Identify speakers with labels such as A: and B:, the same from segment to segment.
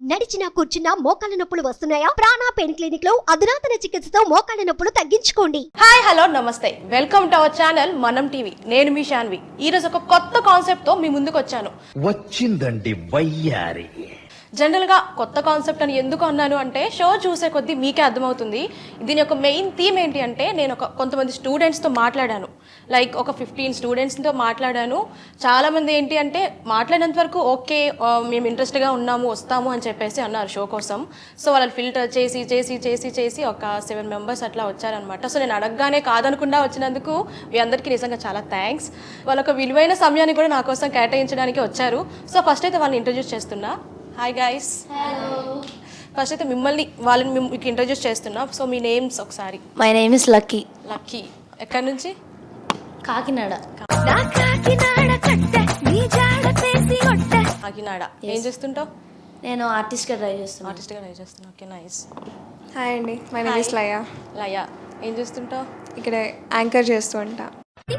A: నడిచినా కూర్చున్నా మోకాళ్ళ నొప్పులు వస్తున్నాయా? ప్రాణ పెయిన్ క్లినిక్ లో అధునాతన చికిత్సతో మోకాళ్ళ నొప్పులు తగ్గించుకోండి.
B: హాయ్ హలో నమస్తే, వెల్కమ్ టు అవర్ ఛానల్ మనం టీవీ. నేను మీ శాన్వి. ఈ రోజు ఒక కొత్త కాన్సెప్ట్ తో మీ ముందుకు వచ్చాను.
C: వచ్చిందండి వయ్యారి.
B: జనరల్ గా కొత్త కాన్సెప్ట్ అని ఎందుకు అన్నాను అంటే, షో చూసే కొద్దీ మీకే అర్థమవుతుంది. దీని యొక్క మెయిన్ థీమ్ ఏంటి అంటే, నేను కొంతమంది స్టూడెంట్స్తో మాట్లాడాను. లైక్ ఒక 15 స్టూడెంట్స్తో మాట్లాడాను. చాలామంది ఏంటి అంటే మాట్లాడినంత వరకు ఓకే మేము ఇంట్రెస్ట్గా ఉన్నాము వస్తాము అని చెప్పేసి అన్నారు షో కోసం. సో వాళ్ళని ఫిల్టర్ చేసి చేసి చేసి చేసి ఒక 7 మెంబర్స్ అట్లా వచ్చారనమాట. సో నేను అడగగానే కాదనకుండా వచ్చినందుకు మీ అందరికీ నిజంగా చాలా థ్యాంక్స్. వాళ్ళొక విలువైన సమయాన్ని కూడా నా కోసం కేటాయించడానికి వచ్చారు. సో ఫస్ట్ అయితే వాళ్ళని ఇంట్రడ్యూస్ చేస్తున్నా. Hi guys. ఫస్ట్ అయితే వాళ్ళని మీకు ఇంట్రడ్యూస్ చేస్తున్నా. సో మీ నేమ్స్ ఒకసారి.
D: My name is Lucky.
B: Lucky. ఎక్కడి నుంచి?
D: కాకినాడ.
B: కాకినాడ. ఏం చేస్తుంటావు?
D: నేను ఆర్టిస్ట్గా ట్రై చేస్తున్నాను.
B: ఆర్టిస్ట్గా ట్రై చేస్తున్నా. Okay nice.
E: హాయ్ అండి, my name is Laya.
B: Laya. ఏం చేస్తుంటావు?
E: ఇక్కడ యాంకర్ చేస్తూ ఉంటా.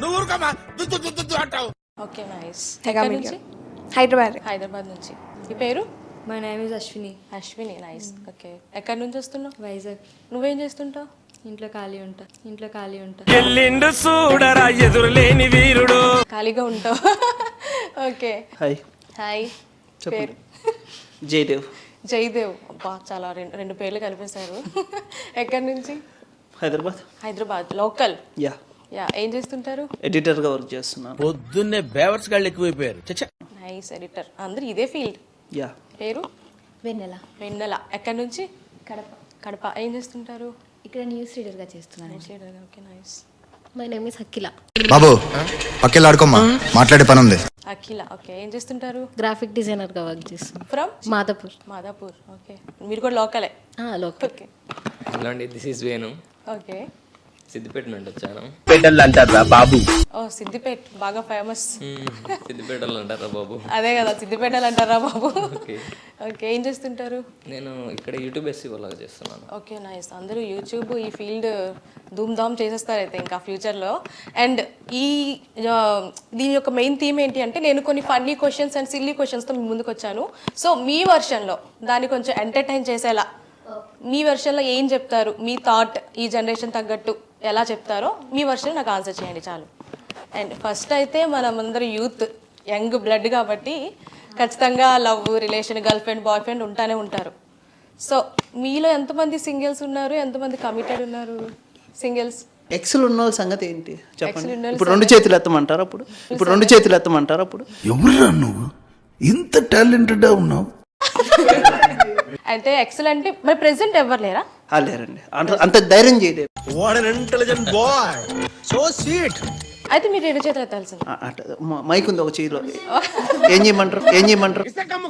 B: Okay nice.
E: Mega
B: ఎక్కడి
E: Media.
B: నుంచి? హైదరాబాద్ నుంచి. ఈ పేరు?
D: My name is Ashwini.
B: Ashwini. Nice. Okay. ఎక్కడి నుంచి వస్తున్నావు?
D: వైజాగ్.
B: నువ్వేం చేస్తుంటావు?
D: ఇంట్లో ఖాళీ ఉంటా.
C: ఎల్లిండు చూడరా ఎదురులేని వీరుడు.
B: ఖాళీగా ఉంటావు. ఓకే.
F: హాయ్.
B: హాయ్. పేరు?
F: జయదేవ్.
B: జయదేవ్. అబ్బా చాలా రెండు పేర్లు కనిపిస్తారు. ఎక్కడి నుంచి?
F: Hyderabad.
B: Hyderabad local.
F: Yeah.
B: Yeah. ఏం చేస్తుంటారు?
F: ఎడిటర్గా వర్క్ చేస్తున్నాను.
C: పొద్దున్నే బేవర్స్ గాళ్ళు ఎక్కువైపోయారు.
B: నైస్. ఎడిటర్. అందరూ ఇదే ఫీల్డ్.
F: యా.
B: పేరు?
D: వెన్నెల.
B: వెన్నెల. ఎక్కడి నుంచి?
D: కడప.
B: కడప. ఏం చేస్తుంటారు?
D: ఇక్కడ న్యూస్ రీడర్గా చేస్తున్నాను.
B: Okay nice.
D: My name is Akhila.
G: బాబు పక్కెళ్ళాడుకోమ్మా, మాట్లాడే పని ఉంది.
B: అఖిల. ఓకే. ఏం చేస్తుంటారు?
D: గ్రాఫిక్ డిజైనర్గా వర్క్ చేస్తున్నాను.
B: ఫ్రమ్
D: మాదాపూర్.
B: మాదాపూర్. ఓకే. మీరు కూడా లోకలే?
D: లోకల్.
B: ఓకే.
H: హలో అండి, this is Venu.
B: Okay.
H: Siddipet నుండి వచ్చాను.
C: పేటల్ అంటారా బాబు?
B: ఓ సిద్దిపేట బాగా ఫేమస్.
H: సిద్దిపేటలో అంటారా బాబు?
B: అదే కదా, సిద్దిపేటలు అంటారా బాబు? ఓకే. ఏం చేస్తుంటారు?
H: నేను ఇక్కడ యూట్యూబ్ ఎస్సీఓ లాగా చేస్తున్నాను.
B: Okay nice. అందరూ యూట్యూబ్ ఈ ఫీల్డ్ ధూమ్ ధామ్ చేసేస్తారు అయితే ఇంకా ఫ్యూచర్లో. అండ్ దీని యొక్క మెయిన్ థీమ్ ఏంటి అంటే, నేను కొన్ని ఫన్నీ క్వశ్చన్స్ అండ్ సిల్లీ క్వశ్చన్స్తో మీ ముందుకు వచ్చాను. సో మీ వర్షన్లో దాన్ని కొంచెం ఎంటర్టైన్ చేసేలా మీ వర్షన్లో ఏం చెప్తారు, మీ థాట్ ఈ జనరేషన్ తగ్గట్టు ఎలా చెప్తారో మీ వర్షన్ నాకు ఆన్సర్ చేయండి చాలు. అండ్ ఫస్ట్ అయితే మనమందరూ యూత్, యంగ్ బ్లడ్ కాబట్టి ఖచ్చితంగా love relation, girlfriend, boyfriend ఉంటానే ఉంటారు. సో మీలో ఎంతమంది సింగిల్స్ ఉన్నారు, ఎంతమంది కమిటెడ్ ఉన్నారు? సింగిల్స్.
F: ఎక్సెల్ ఉన్న వాళ్ళ సంగతి ఏంటి చెప్పండి.
B: ఉన్న వాళ్ళ
F: ఇప్పుడు 2 చేతులు ఎత్తమంటారు అప్పుడు.
I: ఎవరురా నువ్వు ఇంత టాలెంటెడ్ ఉన్నావు?
B: అంటే ఎక్సలెంట్. మరి ప్రెసెంట్ ఎవరు లేరా?
F: లేరండి, అంత ధైర్యం చేయలేరు.
B: అయితే మీరు 2 చేతులు ఎత్తాల్సింది.
F: మైక్ ఉంది ఒక చేతిలో. ఏం చేయమంటారు?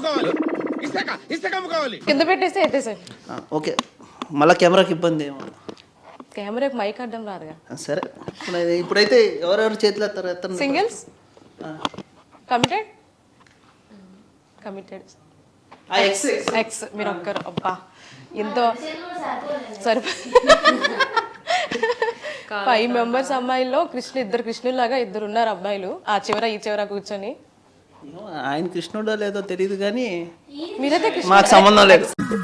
B: కింద పెట్టేసి ఎత్తేసారు.
F: ఓకే. మళ్ళీ కెమెరాకి ఇబ్బంది ఏమో.
B: కెమెరాకి మైక్ అడ్డం రాదుగా.
F: సరే, ఇప్పుడైతే ఎవరెవరు చేతులు ఎత్తారు?
B: సింగిల్స్. కమిటెడ్. కమిటెడ్. ఎక్స్. మీరు ఒక్కరు. అబ్బా ఎంతో సరే. 5 మెంబర్స్ అమ్మాయిల్లో ఇద్దరు కృష్ణులాగా ఇద్దరు ఉన్నారు అబ్బాయిలు, ఆ చివర ఈ చివర కూర్చొని.
F: ఆయన కృష్ణుడో లేదో తెలియదు కానీ
B: మీరైతే
F: మాకు సంబంధం లేదు.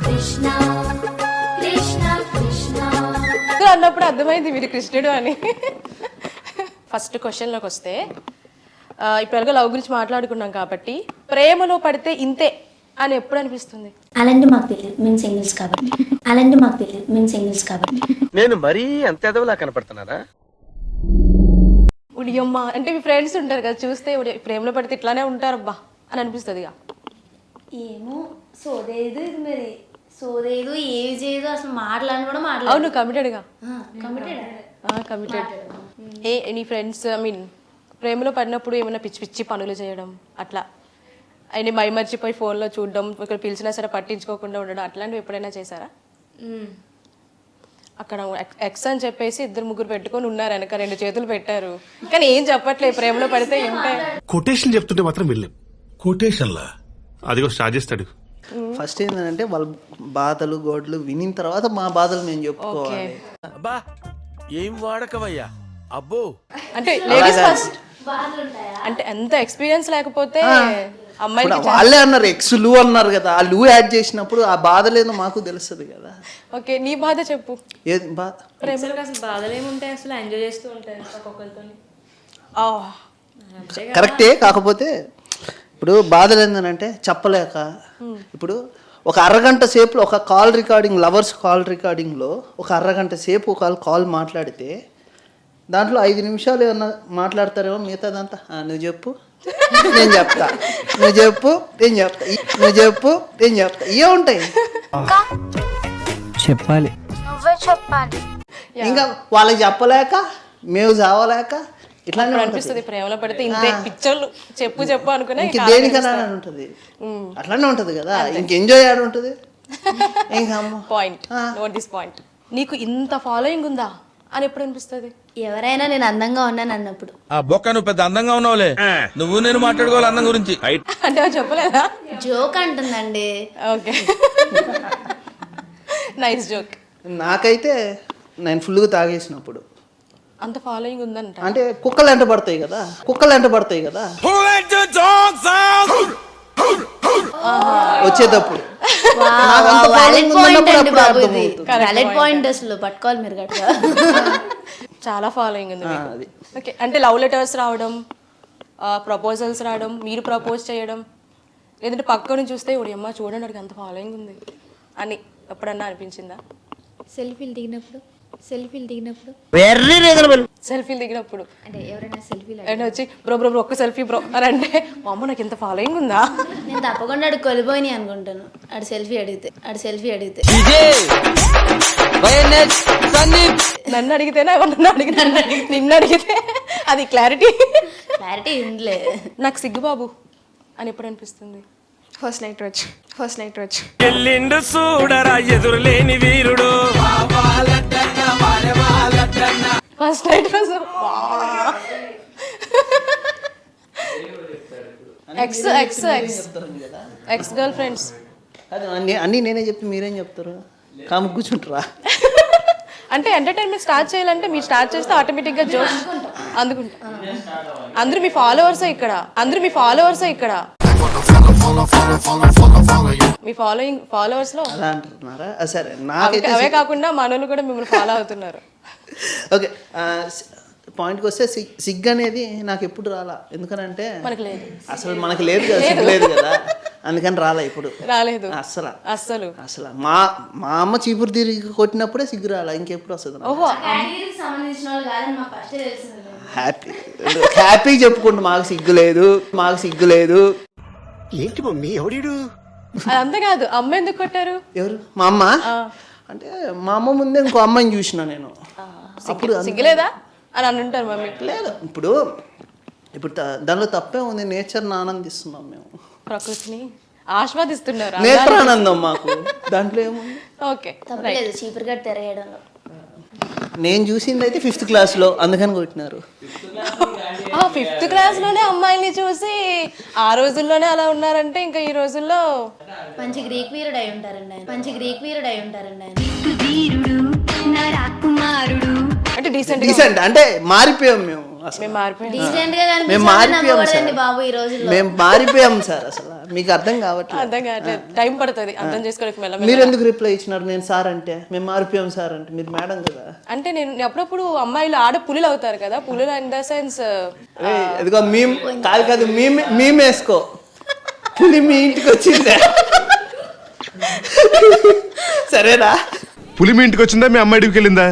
B: అన్నప్పుడు అర్థమైంది మీరు కృష్ణుడు అని. ఫస్ట్ క్వశ్చన్లోకి వస్తే, ఇప్పుడు ఎలాగో లవ్ గురించి మాట్లాడుకున్నాం కాబట్టి, ప్రేమలో పడితే ఇంతే అని ఎప్పుడు అనిపిస్తుంది?
D: అలాంటి మాకు తెలియదు, మేము సింగిల్స్ కాబట్టి.
C: నేను మరీ అంత ఎదవలా కనపడుతున్నారా?
B: ఉడియమ్మ అంటే మీ ఫ్రెండ్స్ ఉంటారు కదా, చూస్తే ప్రేమలో పడితే ఇట్లానే ఉంటారబ్బా అని అనిపిస్తుంది.
D: ఏమో సోదేదు ఇది, మరి సోదేదు ఏది చేయదు, అసలు మాట్లాడి కూడా
B: అవును. కమిటెడ్గా.
D: కమిటెడ్.
B: నీ ఫ్రెండ్స్ ప్రేమలో పడినప్పుడు ఏమైనా పిచ్చి పిచ్చి పనులు చేయడం, అట్లా ఆయన మైమర్చిపోయి ఫోన్లో చూడడం, ఇక్కడ పిలిచినా సరే పట్టించుకోకుండా ఉండడం, అట్లాంటివి ఎప్పుడైనా చేశారా? అక్కడ ఎక్స్ అని చెప్పేసి 2-3 పెట్టుకొని ఉన్నారు, వెనక 2 చేతులు పెట్టారు, కానీ ఏం చెప్పట్లేదు. ప్రేమలో పడితే ఉంటాయి.
I: కొటేషన్ చెప్తుంటే మాత్రం వెళ్ళాం. కొటేషన్లా అదిగో స్టార్ట్ చేస్తాడు.
F: ఫస్ట్ ఏంటంటే వాళ్ళ బాధలు గోడలు వినిన తర్వాత మా బాధలు మేము చెప్పుకోవాలి.
C: అబ్బా ఏం వాడకవయ్యా అబ్బో.
B: అంటే లేడీస్ ఫస్ట్. అంటే ఎంత ఎక్స్పీరియన్స్ లేకపోతే అమ్మాయిలకి
F: ఇప్పుడు వాళ్ళే అన్నారు ఎక్స్ లూ అన్నారు కదా, ఆ లూ యాడ్ చేసినప్పుడు ఆ బాధ లేదో మాకు తెలుస్తుంది కదా.
B: ఓకే, నీ బాధ చెప్పు.
F: ఏది బాధ?
D: ప్రేమలకు అసలు బాధలు ఏముంటాయి, అసలు ఎంజాయ్ చేస్తూ ఉంటాయి ఒక్కొక్కరితో.
F: కరెక్టే, కాకపోతే ఇప్పుడు బాధలు ఏంటంటే చెప్పలేక, ఇప్పుడు ఒక అరగంట సేపు ఒక కాల్ రికార్డింగ్, లవర్స్ కాల్ రికార్డింగ్లో ఒక అరగంట సేపు ఒక కాల్ మాట్లాడితే దాంట్లో 5 నిమిషాలు ఏమన్నా మాట్లాడతారేమో, మిగతాదంతా నువ్వు చెప్పు నేను చెప్తా, నువ్వు చెప్పు నేను చెప్తా, నువ్వు చెప్పు నేను చెప్తా, ఇవే ఉంటాయి.
J: చెప్పాలి,
F: ఇంకా వాళ్ళకి చెప్పలేక మేము చావలేక ఇట్లానే ఉంటుంది.
B: అనిపిస్తుంది ప్రేమలో పడితే ఇంతే పిక్చర్లు చెప్పు చెప్పు అనుకునే
F: ఇంక దేనికన్నా ఉంటుంది, అట్లానే ఉంటుంది కదా. ఇంక ఎంజాయ్ ఆడ ఉంటుంది. ఇంకా
B: పాయింట్, నోట్ దిస్ పాయింట్. నీకు ఇంత ఫాలోయింగ్ ఉందా అని ఎప్పుడు అనిపిస్తుంది?
D: ఎవరైనా నేను అందంగా ఉన్నాను అన్నప్పుడు.
C: ఆ బొక్క నువ్వు పెద్ద అందంగా ఉన్నావులే, నువ్వు నేను మాట్లాడుకోవాలి అందం గురించి.
B: అంటే అవి చెప్పలేదా?
D: జోక్ అంటుందండి.
B: Okay, nice joke.
F: నాకైతే నేను ఫుల్గా తాగేసినప్పుడు
B: అంత ఫాలోయింగ్ ఉందంట.
F: అంటే కుక్కలు ఎంట పడతాయి కదా, వచ్చేటప్పుడు నాకు అంత following ఉందన్నప్పుడు అప్పుడు అర్థమవుతుంది.
D: వ్యాలిడ్ పాయింట్ అసలు పట్టుకోవాలి మీరు గట్టిగా.
B: చాలా ఫాలోయింగ్ ఉంది మీకు.
F: అది.
B: ఓకే, అంటే లవ్ లెటర్స్ రావడం, ప్రపోజల్స్ రావడం, మీరు ప్రపోజ్ చేయడం, లేదంటే పక్కన చూస్తే ఇప్పుడు అమ్మ చూడండి అడిగి అంత ఫాలోయింగ్ ఉంది అని ఎప్పుడన్నా అనిపించిందా?
D: సెల్ఫీలు దిగినప్పుడు
B: సెల్ఫీలు దిగినప్పుడు
D: అంటే ఎవరైనా సెల్ఫీలు
B: అంటే వచ్చి బ్రో బ్రో బ్రో ఒక్క సెల్ఫీ బ్రో అని అంటే మా అమ్మ నాకు ఇంత ఫాలోయింగ్ ఉందా?
D: నేను తప్పకుండా అడిగి కొలిపోయి అనుకుంటాను. ఆడు సెల్ఫీ అడిగితే
B: నన్ను అడిగితేనే ఎవరు అడిగితే నిన్ను అడిగితే అది క్లారిటీ
D: ఉందిలే.
B: నాకు సిగ్గు బాబు అని ఎప్పుడు అనిపిస్తుంది?
E: ఫస్ట్ నైట్ వచ్చి
C: ఎల్లిండు చూడరా ఎదురులేని వీరుడు.
B: ఫస్ట్ నైట్ రోజు ఎక్స్ గర్ల్ ఫ్రెండ్స్
F: అది అన్నీ నేనే చెప్తే మీరేం చెప్తారు, కాము కూర్చుంటారా?
B: అంటే ఎంటర్టైన్మెంట్ స్టార్ట్ చేయాలంటే మీరు స్టార్ట్ చేస్తే ఆటోమేటిక్గా జోష్ అందుకుంటా. అందరూ మీ ఫాలోవర్సే ఇక్కడ మీ ఫాలోవర్స్ లో
F: అలా అంటున్నారా? సరే, నాకైతే
B: అవే కాకుండా మనోళ్ళు కూడా మిమ్మల్ని ఫాలో అవుతున్నారు.
F: ఓకే, పాయింట్కి వస్తే సిగ్గు అనేది నాకు ఎప్పుడు రాలా. ఎందుకనంటే
B: మనకు లేదు,
F: అసలు మనకి లేదు కదా, సిగ్గు లేదు కదా, అందుకని రాలా ఇప్పుడు.
B: రాలేదు
F: అసలు మా అమ్మ చీపురు తిరిగి కొట్టినప్పుడే సిగ్గు రాలా, ఇంకెప్పుడు వస్తుంది?
B: ఓహో,
D: సంబంధించిన వాళ్ళు కాదని మాకు ఫస్ట్ తెలిసింది.
F: హ్యాపీ చెప్పుకుంటూ మాకు సిగ్గు లేదు.
I: ఏంటి మమ్మీ ఎవడీడు?
B: అదంతా కాదు, అమ్మ ఎందుకు కొట్టారు?
F: ఎవరు? మా అమ్మ. అంటే మా అమ్మ ముందే ఇంకో అమ్మాయిని చూసిన నేను. అప్పుడు
B: సిగ్గులేదా అని అంటారు మమ్మీ.
F: లేదు, ఇప్పుడు దానిలో తప్పే ఉంది. నేచర్ని ఆనందిస్తున్నాం మేము,
B: ప్రకృతిని ఆస్వాదిస్తున్నారు.
F: నేత్రానందం మాకు, దాంట్లో ఏముంది?
B: ఓకే,
D: తప్పలేదు చీపురు గట్టు తిరగడంలో.
F: నేను చూసింది అయితే 5th క్లాస్లో, అందుకని కొట్టినారు.
B: 5th క్లాస్లోనే అమ్మాయిని చూసి ఆ రోజుల్లోనే అలా ఉన్నారంటే ఇంకా ఈ రోజుల్లో
D: మంచి గ్రీక్ వీరుడు అయి ఉంటారండి ఆయన.
B: అంటే
F: డీసెంట్ అంటే మారిపోయాం మేము.
B: మేము మారిపోయాం.
D: డీసెంట్ గా
F: మేము మారిపోయాం సార్,
D: బాబు ఈ రోజుల్లో.
F: మేము మారిపోయాం సార్. అసలు మీకు అర్థం కావట్లేదు.
B: అర్థం కావట్లేదు, టైం పడుతుంది అర్థం చేసుకోవడానికి.
F: మీరు ఎందుకు రిప్లై ఇచ్చినారు? నేను సార్ అంటే మేము మారిపోయాం సార్ అంటే మీరు మేడం కదా.
B: అంటే నేను అప్పుడప్పుడు అమ్మాయిలు ఆడ పులులు అవుతారు కదా, పులులు ఇన్ ద సెన్స్
F: అదిగో మేము కాదు మేము వేసుకో, పులి మీ ఇంటికి వచ్చిందే సరేనా?
I: పులి మీ ఇంటికి వచ్చిందా, మీ అమ్మాయి ఇంటికి వెళ్ళిందా?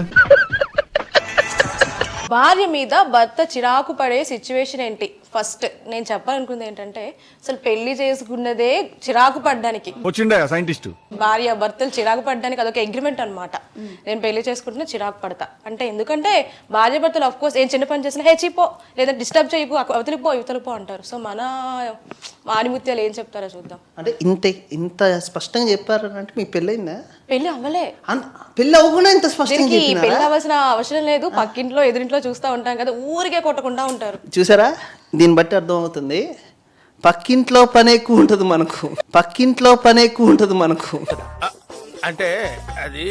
B: భార్య మీద భర్త చిరాకు పడే సిచ్యువేషన్ ఏంటి? ఫస్ట్ నేను చెప్పాలనుకుంది ఏంటంటే అసలు పెళ్లి చేసుకున్నదే చిరాకు పడ్డానికి.
I: వచ్చిండా సైంటిస్ట్?
B: భార్య భర్తలు చిరాకు పడ్డానికి అదొక అగ్రిమెంట్ అనమాట. నేను పెళ్లి చేసుకుంటున్నా చిరాకు పడతా అంటే, ఎందుకంటే భార్య భర్తలు ఆఫ్ కోర్స్ ఏం చిన్న పని చేసినా హే చీపో లేదా డిస్టర్బ్ చేయకు అవతలిపో అంటారు. సో మన ఆనిముత్యాలు ఏం చెప్తారో చూద్దాం.
F: అంటే ఇంత స్పష్టంగా చెప్పారు అంటే మీకు పెళ్ళయిందా?
B: పెళ్లి అవ్వలే.
F: పెళ్ళి అవ్వకుండా ఇంత స్పష్టంగా
B: పెళ్లి అవ్వాల్సిన అవసరం లేదు. పక్కింట్లో ఎదురింట్లో చూస్తూ ఉంటాం కదా, ఊరికే కొట్టకుండా ఉంటారు.
F: చూసారా? దీన్ని బట్టి అర్థమవుతుంది పక్కింట్లో పని ఎక్కువ ఉంటుంది మనకు.
C: అంటే అది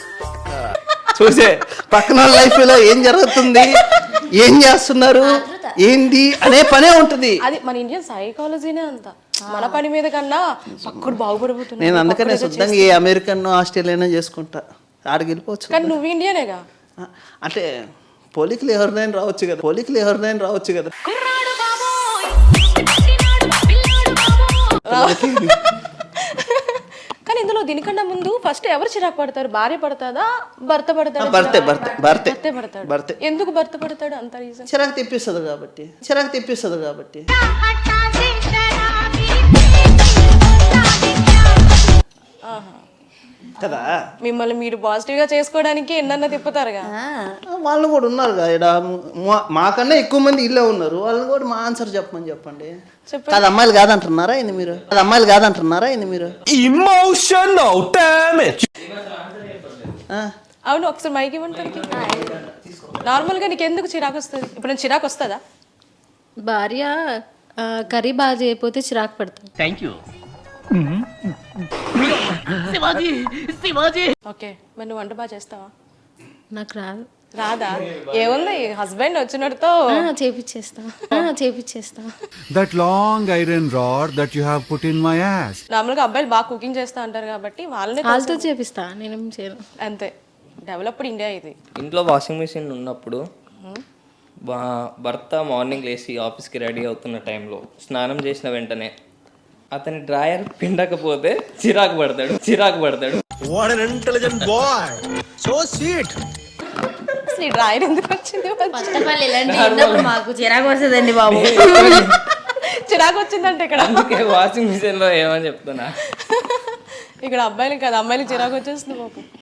F: చూసే పక్కన లైఫ్ లో ఏం జరుగుతుంది, ఏం చేస్తున్నారు, ఏంది అనే పనే ఉంటుంది.
B: అది మన ఇండియన్ సైకాలజీనే అంత. మన పని మీద కన్నా పక్కడు బాగుపడిపోతున్నాడు.
F: నేను అందుకనే శుద్ధంగా ఏ అమెరికన్ ఆస్ట్రేలియా చేసుకుంటా, ఆడికి వెళ్ళిపోవచ్చు.
B: కానీ నువ్వు ఇండియనేగా.
F: అంటే పోలికలు ఎవరినైనా రావచ్చు కదా, పోలికలు ఎవరినైనా రావచ్చు కదా.
B: కానీ ఇందులో దీనికన్నా ముందు ఫస్ట్ ఎవరు చిరాకు పడతారు? భార్య పడతాదా, భర్త పడతాడా?
F: భర్తే భర్తే భర్తే
B: భర్తే పడతాడు.
F: భర్తే.
B: ఎందుకు భర్త పడతాడు అంత రీజన్?
F: చిరాకు తెప్పిస్తుంది కాబట్టి, చిరాకు తెప్పిస్తుంది కాబట్టి. కదా,
B: మిమ్మల్ని మీరు పాజిటివ్ గా చేసుకోవడానికి ఎన్నన్నా తిప్పుతారుగా.
F: వాళ్ళు కూడా ఉన్నారు కదా ఈడ. మాకన్నా ఎక్కువ మంది ఇల్లే ఉన్నారు, వాళ్ళని కూడా మా ఆన్సర్ చెప్పమని చెప్పండి. కాదు అమ్మాయిలు కాదంటున్నారా ఇది మీరు? అది అమ్మాయిలు కాదంటున్నారా ఇది మీరు?
B: అవును, ఒకసారి మైక్ ఇవ్వండి. నార్మల్ గా నీకు ఎందుకు చిరాకు వస్తుంది? ఇప్పుడు నేను చిరాకు వస్తుందా?
D: భార్య కర్రీ బాగా చేయకపోతే చిరాకు పడతాను.
B: ఓకే, మరి నువ్వు వంట బాగా చేస్తావా?
D: నాకు రాదు.
B: రాదా? ఏముంది, హస్బెండ్ వచ్చినట్టుతో
D: చేపిచ్చేస్తా.
J: That long iron rod that you have put in my ass.
B: Normal గా అబ్బాయిలు బాగా కుకింగ్ చేస్తా అంటారు కాబట్టి
D: వాళ్ళతో చేపిస్తా, నేనేం చేయను.
B: అంతే. డెవలప్డ్ ఇండియా ఇది.
H: ఇంట్లో వాషింగ్ మిషన్ ఉన్నప్పుడు భర్త మార్నింగ్ లేచి ఆఫీస్కి రెడీ అవుతున్న టైంలో స్నానం చేసిన వెంటనే అతని డ్రాయర్ పిండకపోతే చిరాకు పడతాడు.
B: అసలు ఈ డ్రాయర్ ఎందుకు వచ్చింది?
D: మాకు చిరాకు వస్తుందండి బాబు.
B: చిరాకు వచ్చిందంటే ఇక్కడ
H: అందుకే వాషింగ్ మిషన్లో ఏమని చెప్తున్నా.
B: ఇక్కడ అబ్బాయిలు కదా, అమ్మాయిలు చిరాకు వచ్చేస్తుంది బాబు.